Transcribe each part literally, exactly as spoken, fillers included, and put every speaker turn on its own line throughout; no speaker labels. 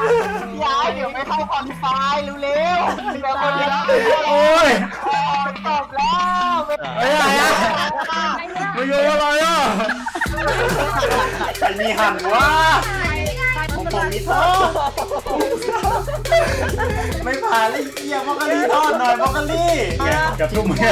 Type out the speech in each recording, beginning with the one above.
ย้ายเดี๋ยวไม่เข้าคอนไฟเร็วๆเดี๋ยวคนเดียว
โอ้ย
จบแล้ว
ไอ้อะไรอ่ะมาโยนอะไรอ่ะ
ใครมีหันวะผมผมมีทอดไม่ผ่านเลยเกียร์มอกะลีทอดหน่อยมอกะลี
กับทุ่มไง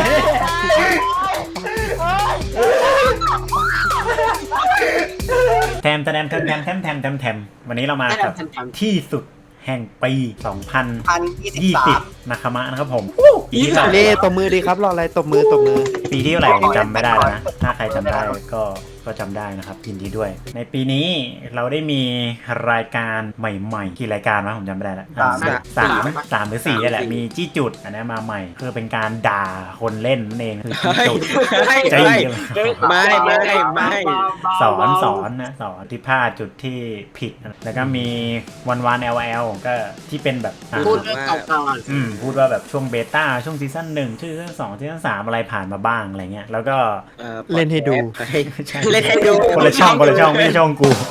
แทมแทมแทมแทมแทมแทมแทมแทมวันนี้เรามากับที่สุดแห่งปีสองพันยี่สิบนะครับนะครับผมปีที่สอง
เล่ตบมือดีครับรออะไรตบมือตบมือ
ปีที่เท่าไหร่ผมจำไม่ได้แล้วนะถ้าใครจำได้ก็ก็จำได้นะครับยินดีด้วยในปีนี้เราได้มีรายการใหม่ๆกี่รายการวะผมจำไม่ได้แล้วสามสามหรือสี่นี่แหละมีจี้จุดอันนี้มาใหม่คือเป็นการด่าคนเล่นนั่นเองคือจี้จุดใจ
ไม่ไม่ไม่
สอนสอนนะสอนที่พลาดจุดที่ผิดแล้วก็มีวันวัน แอล แอล ก็ที่เป็นแบบ
พูดเรื่องเก่าๆ
อืมพูดว่าแบบช่วงเบต้าช่วงซีซั่นหนึ่งซีซั่นสองซีซั่นสามอะไรผ่านมาบ้างอะไรเงี้ยแล้วก็
เล่นให้ดู
เล่นให้ดูคนละช่องคนละช่องไม่ใช่ช่องกู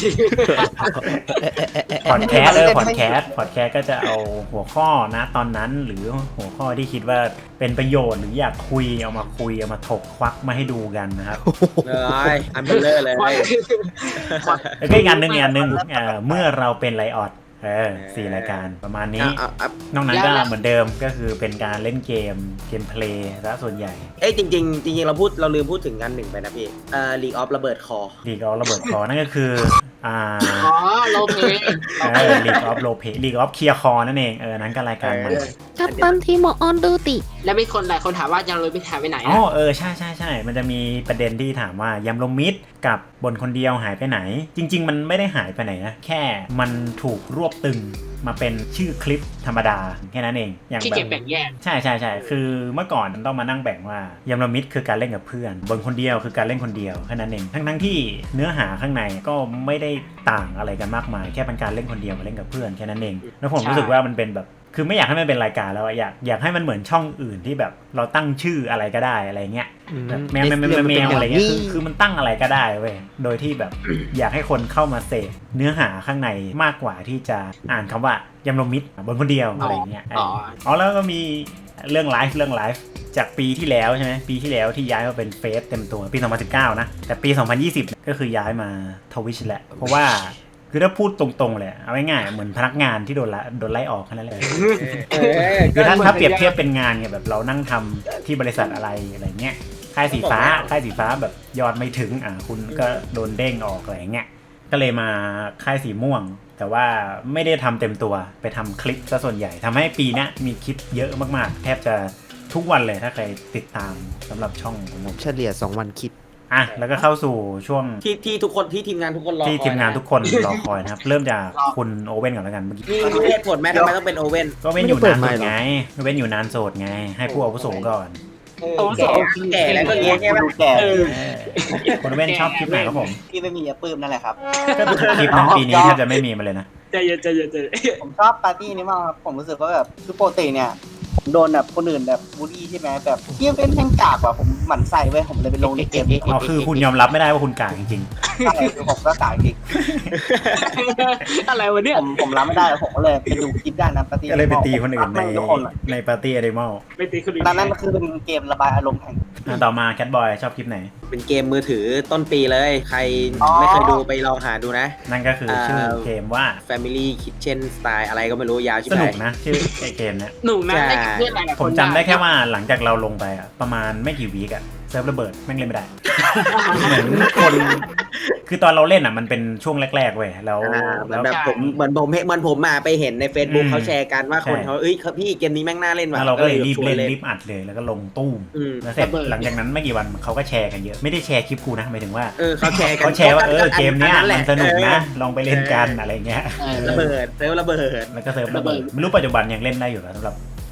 พอดแคสต์เออพอดแคสต์พอดแคสต์ก็จะเอาหัวข้อนะตอนนั้นหรือหัวข้อที่คิดว่าเป็นประโยชน์หรืออยากคุยเอามาคุยเอามาถกควักมาให้ดูกันนะครับ
เลยอันเบลเลอร์เลย
แล้วก็อีกอันหนึ่งอีกอันหนึ่งเมื่อเราเป็นไลออดเออสี่รายการประมาณนี้นอกนั้นก็เหมือนเดิมก็คือเป็นการเล่นเกมเกมเพลย์ซะส่วนใหญ่
เอ้ยจริงจริงจริงเราพูดเราลืมพูดถึงกันหนึ่งไปนะพี่เอ่อ League of ระเบิดคอ
League of ระเบิดคอนั่นก็คืออ่า
อ๋อโลเพ
เออ League of โลเพ League of เคลียร์คอนั่นเองเออนั้นก็รายการใหม่
กัปตันทีมออนดูติ
แล้วมีคนหลายคนถามว่ายังเลยไปถ่ายไปไหน
อ๋อเออใช่ใช่ใช่มันจะมีประเด็นที่ถามว่ายำลมมิดกับบนคนเดียวหายไปไหนจริงๆมันไม่ได้หายไปไหนนะแค่มันถูกรวบตึงมาเป็นชื่อคลิปธรรมดาแค่นั้นเอง
อย่างที่เก็บแบ่งแยก
ใช่ใช่ใช่คือเมื่อก่อนต้องมานั่งแบ่งว่ายำลมมิดคือการเล่นกับเพื่อนบนคนเดียวคือการเล่นคนเดียวแค่นั้นเองทั้งทั้งที่เนื้อหาข้างในก็ไม่ได้ต่างอะไรกันมากมายแค่เป็นการเล่นคนเดียวมาเล่นกับเพื่อนแค่นั้นเองแล้วผมรู้สึกว่ามันเป็นแบบคือไม่อยากให้มันเป็นรายการแล้วอยากอยากให้มันเหมือนช่องอื่นที่แบบเราตั้งชื่ออะไรก็ได้อะไรเงี้ยแมวแมวแมวแมวอะไรเงี้ยคือคือมันตั้งอะไรก็ได้เว้ยโดยที่แบบอยากให้คนเข้ามาเสพเนื้อหาข้างในมากกว่าที่จะอ่านคำว่ายำลมมิดบนคนเดียวอะไรเงี้ยอ๋อแล้วก็มีเรื่องไลฟ์เรื่องไลฟ์จากปีที่แล้วใช่ไหมปีที่แล้วที่ย้ายมาเป็นเฟซเต็มตัวปีสองพันสิบเก้านะแต่ปีสองพันยี่สิบก็คือย้ายมาทวิชแหละเพราะว่าคือถ้าพูดตรงๆเลยเอาง่ายๆเหมือนพนักงานที่โดนละโดนไล่ออกแค่นั้นเลยคือถ้าถ้าเปรียบเทียบเป็นงานเนี่ยแบบเรานั่งทำที่บริษัทอะไรอะไรเงี้ยค่ายสีฟ้าค่ายสีฟ้าแบบยอดไม่ถึงอ่ะคุณก็โดนเด้งออกอะไรเงี้ยก็เลยมาค่ายสีม่วงแต่ว่าไม่ได้ทำเต็มตัวไปทำคลิปซะส่วนใหญ่ทำให้ปีนี้มีคลิปเยอะมากๆแทบจะทุกวันเลยถ้าใครติดตามสำหรับช่องของผม
เฉลี่ยสองวันคลิป
อ่ะแล้วก็เข้าสู่ช่วง
ที่ที่ทุกคนที่ทีมงานทุกคนรอ
ที่ทีมงานทุกคนรอคอยนะครับเริ่มจากคุณโอเว่นก่อนแล้วกันเมื่อกี้
มีเหตุผลไหมทำไมต้องเป็นโอเว่น
ก็เว่นอยู่นานโสดไงเว่นอยู่นานโสดไงให้ผู้อาวุโสก่อน
โอ้โหแก่แล้วก็เงี้ยใช่ไหม
คุณเว่นชอบคลิปไหนครับผม
ที่ไม่มีอย่าปื้มนั่นแหละครับ
ก็คลิปนั้นปีนี้แทบจะไม่มีมาเลยนะ
ใจเย็นใจเย็นใจเย็นผมชอบปาร์ตี้นี้มากครับผมรู้สึกว่าแบบคือปกติเนี่ยโดนแบบคนอื่นแบบบูลลี่ใช่ไหมแบบเที่ยเป็นแห่งกากว่ะผมหมั่นไส้เว้ยผมเลยไปลงในเกม
อ๋อคือคุณยอมรับไม่ได้ว่าคุณกากจริง
ๆใช่คือผมก็กากจริงอะไรวะเนี่ยผมผมรับไม่ได้ผมก็เลยไปดูคลิปด้านนั้นปาร์ตี้
ก็เลยไปตีคนอื่นในในปาร์ตี้แอนิมอล
ไปตีคนอื่นนั่นคือเป็นเกมระบายอารมณ์แห่ง
ต่อมาแคทบอยชอบคลิปไหน
เป็นเกมมือถือต้นปีเลยใครไม่เคยดูไปลองหาดูนะ
นั่นก็คือชื่อเกมว่า
Family Kitchen Style อะไรก็ไม่รู้ยาวชิบ
หายสนุกนะชื่อเกมเนี้ย
หนุกนะ
ผมจำได้แค่ว่าหลังจากเราลงไปอ่ะประมาณไม่กี่วีคอ่ะเซิร์ฟระเบิดแม่งเล่นไม่ได้เหมือนคนคือตอนเราเล่นอ่ะมันเป็นช่วงแรกๆเว้ยแล้ว
แล้วแบบผมเหมือนผมเหมือนผมมาไปเห็นใน Facebook เขาแชร์กันว่าคนเขาเอ้ยพี่เกมนี้แม่งน่าเล่นว่ะ
เราก็เลยรีบเล่นรีบอัดเลยแล้วก็ลงตู้มแล้วเสร็จหลังจากนั้นไม่กี่วันเขาก็แชร์กันเยอะไม่ได้แชร์คลิปกูนะหมายถึงว่า
เออเขาแชร์กัน
เขาแชร์ว่าเออเกมเนี้ยมันสนุกนะลองไปเล่นกันอะไรเงี้ย
ระเบิดเซิร์ฟระเบิด
แล้วก็เซิร์ฟระเบิดไม่รู้ปัจจุบันยังเล่นได้อยู่สำหรับ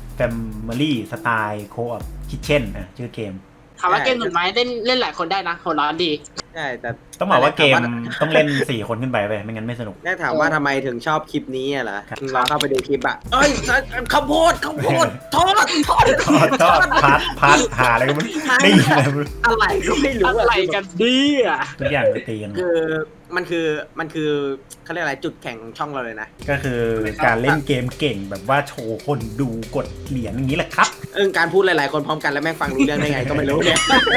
Family Style Co-op Kitchen อ่ะชื่อเกม
ถามว่าเกมหนุนไหมเล่นเล่นหลายคนได้นะหัวร้อนดี
ใช่แต่
ต้องบอกว่าเกมต้องเล่นสี่คนขึ้นไปไปไม่งั้นไม่สนุก
แน่ถามว่าทำไมถึงชอบคลิปนี้อ่ะล่ะลองเข้าไปดูคลิปอ่ะเอ้ยข้าวโพดข้าวโพดทอดทอด
ทอดทอดพัดพัดหาอะไรก็ไม่ได้ยินเลย
อะไรก็ไม่รู้
อะไรกันดีอ่ะ
ทุกอย่างตีกัน
คือมันคือมันคือเขาเรียกอะไรจุดแข่งของช่องเราเลยนะ
ก็คือการเล่นเกมเก่งแบบว่าโชว์คนดูกดเหรียญอย่างนี้แหละครับ
เออการพูดหลายๆคนพร้อมกันแล้วแม่งฟังรู้เรื่องได้ไงก็ไม่รู้เนี่ย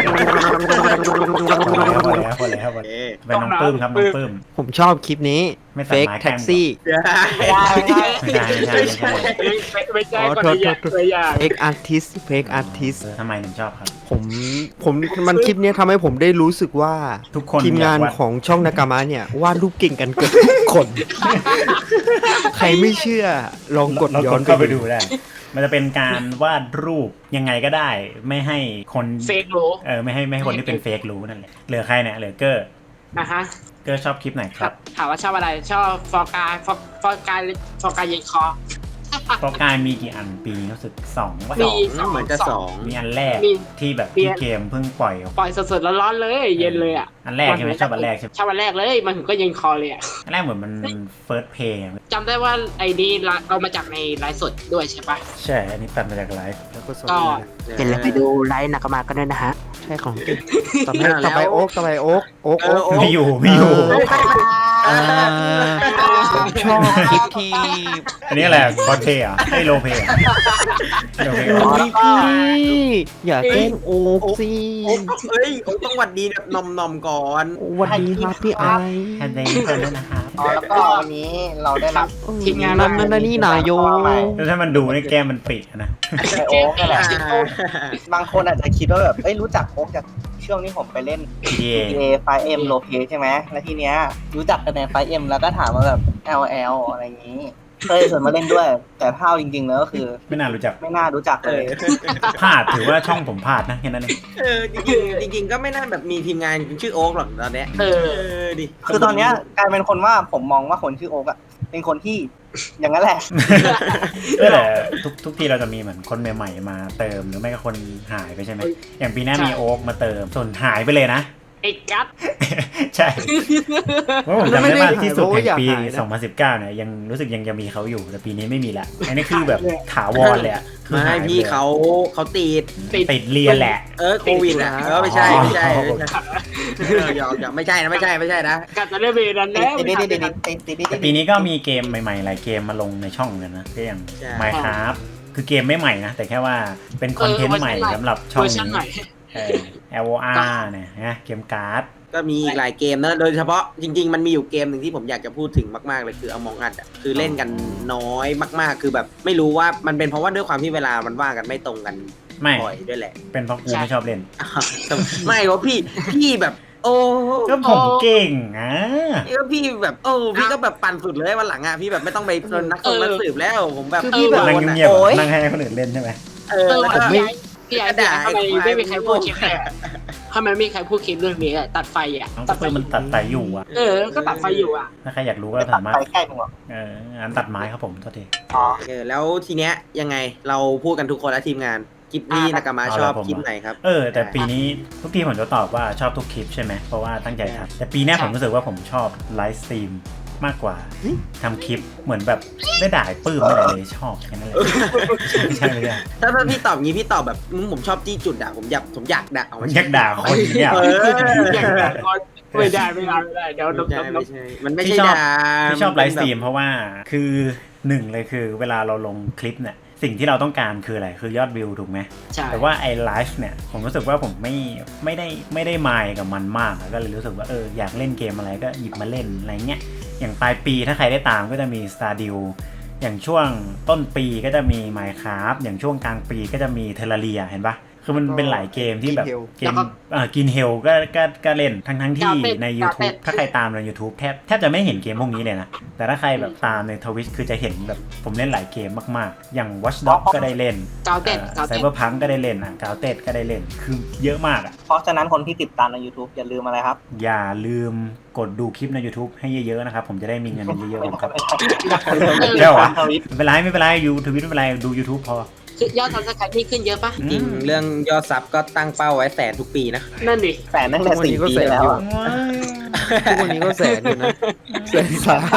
พอแล้วพอแล้วพอแล้วไปน้องปื้มครับน้องปื้ม
ผมชอบคลิปนี้
ไม่ตัด
Fake
ไม้แกล้ง
Taxi
ไม่ได้ไม่ได้
ไม่ใช่ไม่ใช่ไม่ใช่
ไม่ใช่
อ๋อ
คน
โทษ
ละอย่าง
โทษ
ตัวอย่าง
Fake Artist Fake Artist
เออทำไมถึงชอบครับ
ผมผมมันคลิปนี้ทำให้ผมได้รู้สึกว่า
ทุกคน
ทีมงาน
อยากวาด
ของช่องนากามะเนี่ยวาดรูปเก่งกันเกือบทุกคน ใครไม่เชื่อลองกด
เรา
ย้
ก
อ
ด
น
เข้าไปดูได้ มันจะเป็นการวาดรูปยังไงก็ได้ ไม่ให้คน
เฟกรู้
เออไม่ให้ไม่ให้คนที่เป็นเฟกรู้นั่นแหละเหลือใครเนี่ยเหลือเกอร์
นะฮะ
เกอร์ชอบคลิปไหนครับ
ถามว่าชอบอะไรชอบฟอร์กายฟอร์ฟอร์กายฟอร์กายเย็นคอ
เพราะกายมีกี่อันปีนี้รู้สึกสองว่า
มี
เหมือนจะสอง
มีอันแรก
มี
ที่แบบ
มี
ที่เกมเพิ่งปล่อยออก
ปล่อยสดๆร้อนๆเลย เย็นเลยอ่ะ
อันแรกใช่ไหมชอบอันแรกใช่ไหม
ชอบอันแรกเลยมันถึงก็เย็นคอเลยอ่ะ
อันแรกเหมือนมันเฟิร์สเพย์
จำได้ว่าไอ้นี่เรามาจากในไลฟ์สดด้วยใช่ปะ
ใช่อันนี้ตัดมาจากไลฟ์
แล้วก็สด
ก็
อย่าลืมไปดู
ไลฟ์นักมาก็ได้นะฮะ
ใช่ของจริงต่อไปต่อไปโอ๊กต่อไปโอ๊กโอ๊กโอ๊ก
ไม่อยู่ไม่อยู่
อ่าผมชอบคลิปที่
อันนี้อะไรคอนเทย์อ่ะไม่โลเพย์โลเพย์
โอ้ยพี่อย่าแกล้งโอ๊กสิ
โอ๊กเฮ้ยโอ๊กต้องหวัดดีแบบนอมนอมๆก่อน
สวัสดีครับพี่ไอ
แฮนด์เดย์เพิ่มด้วยนะครับ
อ๋อแล้วก็วันนี้เราได้รับ
ทีมงาน
นั่นนั่นนั่นนี่นายโย
แล้วถ้ามันดูในแก้มมันปิดนะ
ไอโอ๊กนี่แหละ
อ่า
บางคนอาจจะคิดว่าแบบเอ้ยรู้จักโอ๊กจากช่วงที่ผมไปเล่น
พี ดี เอ
P A ไฟ เอ็ม โลเพใช่ไหมแล้วทีเนี้ยรู้จักกันในไฟ เอ็ม แล้วก็ถามว่าแบบ แอล แอล อะไรอย่างนี้เคยชวนมาเล่นด้วย แต่เท่าจริงๆแล้วก็คือ
ไม่น่ารู้จัก
ไม่น่ารู้จัก
เอ
เลย
อ
พลาดถือว่าช่องผมพลาดนะแค่นั้นเอง
เออจริงๆจริงๆก็ไม่น่าแบบมีทีมงานชื่อโอ๊กหรอกตอนเนี้ย
เออ
เออดิ
คือตอนเนี้ยกลายเป็นคนว่าผมมองว่าคนชื่อโอ๊กอะเป็นคนที่อย่างนั้นแหละ
เออแต่ทุกทุกทีเราจะมีเหมือนคนใหม่ๆมาเติมหรือไม่ก็คนหายไปใช่ไหมอย่างปีหน้ามีโอ๊กมาเติมส่วนหายไปเลยนะ
ไอ้กัด
ใช่เพราะผมจำได้ว่าที่สุด
ไม่
แห่
ได้
งปี
หายนะ
สองพันสิบเก้าเนี่ยยังรู้สึกยังยังมีเขาอยู่แต่ปีนี้ไม่มีละอันนี้คือแบบถาวรเลยอะคือ
ไม่
หายไป
พี่
ลย
เขาเขาติด
ติดเรียนแหละ
เออโควิดอ่ะเออไม่ใช่ไม่ใช่
อ๋อ
ไม่ใช่เออหยอกหยอกไม่ใช่นะไม่ใช่ไม่ใช่นะ
กัดจะได้เวรนั้นแล้ว
ติดติดติดติดติดติด
แต่ปีนี้ก็มีเกมใหม่ๆหลายเกมมาลงในช่องเหมือนกันนะก็อย่าง Minecraft คือเกมไม่ใหม่นะแต่แค่ว่าเป็นคอนเทนต์ใหม่สำหรับช่อง
เวอร์ชัน
นี้
ใหม่
เออ แอล โอ อาร์ เนี่ยนะเกมการ์ด
ก็มีอีกหลายเกมนะโดยเฉพาะจริง ๆ มันมีอยู่เกมหนึ่งที่ผมอยากจะพูดถึงมากๆเลยคือ Among Us อ่ะคือเล่นกันน้อยมากๆ คือแบบไม่รู้ว่ามันเป็นเพราะว่าด้วยความที่เวลามันว่างกันไม่ตรงกัน
ไม่
บ่อยด้วยแหละ
เป็นเพราะกูไม่ชอบเล่น
อ่ะไม่เพราะพี่พี่แบบ โอ้
ก็ผมเก่งอ่ะ
ก็พี่แบบโอ้พี่ก็แบบปั่นสุดเลยวันหลังอ่ะพี่แบบไม่ต้องไปเป็นนักสืบนักสืบแล้วผมแบบ
คือพี่แบบ
นั่ง
โดนอะ
เงียบๆ
โอ๊ย
นั่งให้คนอื่นเล่นใช่ไหม
เออ
เออ
แล้ว
ผ
ก็
มไม่พี่ไอ้พี่ไอ้ทำไมไม่มีใครพูดคลิปเลยทำไมไม่มีใครพูดคลิปเรื่องนี้อะตัดไฟอ่ะ
น้อง
ตั
ก็
ดไฟ
คือมันตัดไตอยู่อ่ะ
เออ ก็ตัดไฟอยู่อ่ะ
ถ้าใครอยากรู้ก็
ไม่ตั
สา
ด
มารถ
ไปใกล้ผมหรอก
เอออันตัดไม้ครับผมโทษที
อ๋อ
เออแล้วทีเนี้ยยังไงเราพูดกันทุกคนและทีมงานคลิปนี้นากามาชอบคลิปไหนครับ
เออแต่ปีนี้ทุกทีผมจะตอบว่าชอบทุกคลิปใช่ไหมเพราะว่าตั้งใจทำแต่ปีหน้าผมรู้สึกว่าผมชอบไลฟ์สตรีมมากกว่าทำคลิปเหมือนแบบได้ด่าปื้มอะไรเลยชอบแค่นั้นเลยใช่ไหมเนี่ย
ถ้าถ้าพี่ตอบงี้พี่ตอบแบบอืมผมชอบจี้จุดอะผมอยากผมอยากด่า
ผมอยากด่าคนเนี่ย
เออ
อย่างนั้นก็ไม่ได้ไม่ได้ไม่ได้เดี๋ยว
ไม่
นก
ใช่
น
ไม่
ก
ใช่มันไม่ใช่
ที่ชอบ
ด่า
ที่ชอบไลฟ์สตรีมเพราะว่าคือหนึ่งเลยคือเวลาเราลงคลิปเนี่ยสิ่งที่เราต้องการคืออะไรคือยอดวิวถูกไหม
ใช่
แต่ว่าไอ้ไลฟ์เนี่ยผมรู้สึกว่าผมไม่ไม่ได้ไม่ได้มายกับมันมากก็เลยรู้สึกว่าเอออยากเล่นเกมอะไรก็หยิบมาเล่นอะไรเงี้ยอย่างปลายปีถ้าใครได้ตามก็จะมี Stardew อย่างช่วงต้นปีก็จะมี Minecraft อย่างช่วงกลางปีก็จะมี Terraria เห็นปะคือมันเป็นหลายเกมที่แบบเกมเอ่อกินเฮลก็ก็ก็เล่นทั้งทั้งที่ใน YouTube ถ้าใครตามใน YouTube แทบแทบจะไม่เห็นเกมพวกนี้เลยนะแต่ถ้าใครแบบตามใน Twitch คือจะเห็นแบบผมเล่นหลายเกมมากๆอย่าง Watch Dogs ก็ได้เล่น
กาวเต็ดกาว
ไซ
เต็ด
เบอร์พังก็ได้เล่นอ่ะกาวเต็ดก็ได้เล่นคือเยอะมากอ่ะ
เพราะฉะนั้นคนที่ติดตามใน YouTube อย่าลืมอะไรครับ
อย่าลืมกดดูคลิปใน YouTube ให้เยอะๆนะครับผมจะได้มีเงินเยอะๆครับ
เจ้าอ่ะ
ไม่เป็นไรไม่เป็นไรยูทวิตไม่เป็นไรดู YouTube พอ
คือยอดทำสกายนี่ขึ้นเยอะปะ
จริงเรื่องยอดซับก็ตั้งเป้าไว้แสนทุกปีนะ
นั่นดิ
แสนตั้งแต่สี่ปีแล้วอะ
ทุกวันนี้ก็แสนอยู่นะแสนสาม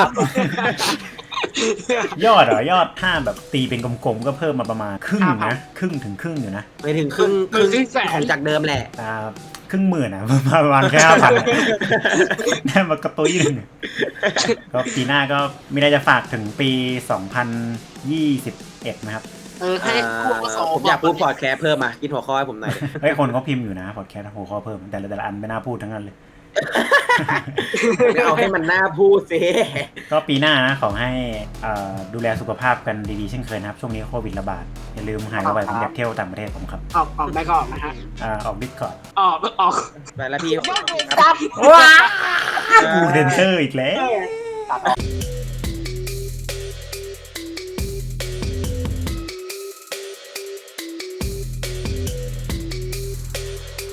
ยอดเหรอยอดถ้าแบบตีเป็นกลมๆก็เพิ่มมาประมาณครึ่งนะครึ่งถึงครึ่งอยู่นะ
ไปถึงครึ่งครึ่งของจากเดิมแหละ
แต่ครึ่งหมื่นอ่ะ ประมาณแค่ห้าพันได้มากระตุ้ยหนึ่งก็ปีหน้าก็มีอะไรจะฝากถึงปีสองพันยี่สิบเอ็ดนะครับ
เออให้ผู้อาวุโส
ผมอยากพูดพอดแคสต์เพิ่มมาคิดหัวข้อให้ผมหน่อยดิ
เฮ้ยคนเขาพิมพ์อยู่นะพอดแคสต์หัวข้อเพิ่มแต่ละแต่ละอันไม่น่าพูดทั้งนั้นเลย
เอาให้มันน่าพูดสิ
ก็ปีหน้านะขอให้เอ่อดูแลสุขภาพกันดีๆเช่นเคยนะครับช่วงนี้โควิดระบาดอย่าลืมหายไวๆผมอยากเที่ยวต่างประเทศผมครับ
ออกออกได้ก็ออกนะฮะ
อ่าออกดิสคอร์ด
ออกออก
ไปแล้วพี่
จับ
ว้ากูเซนเซอร์อีกแล้ว
ตัดออก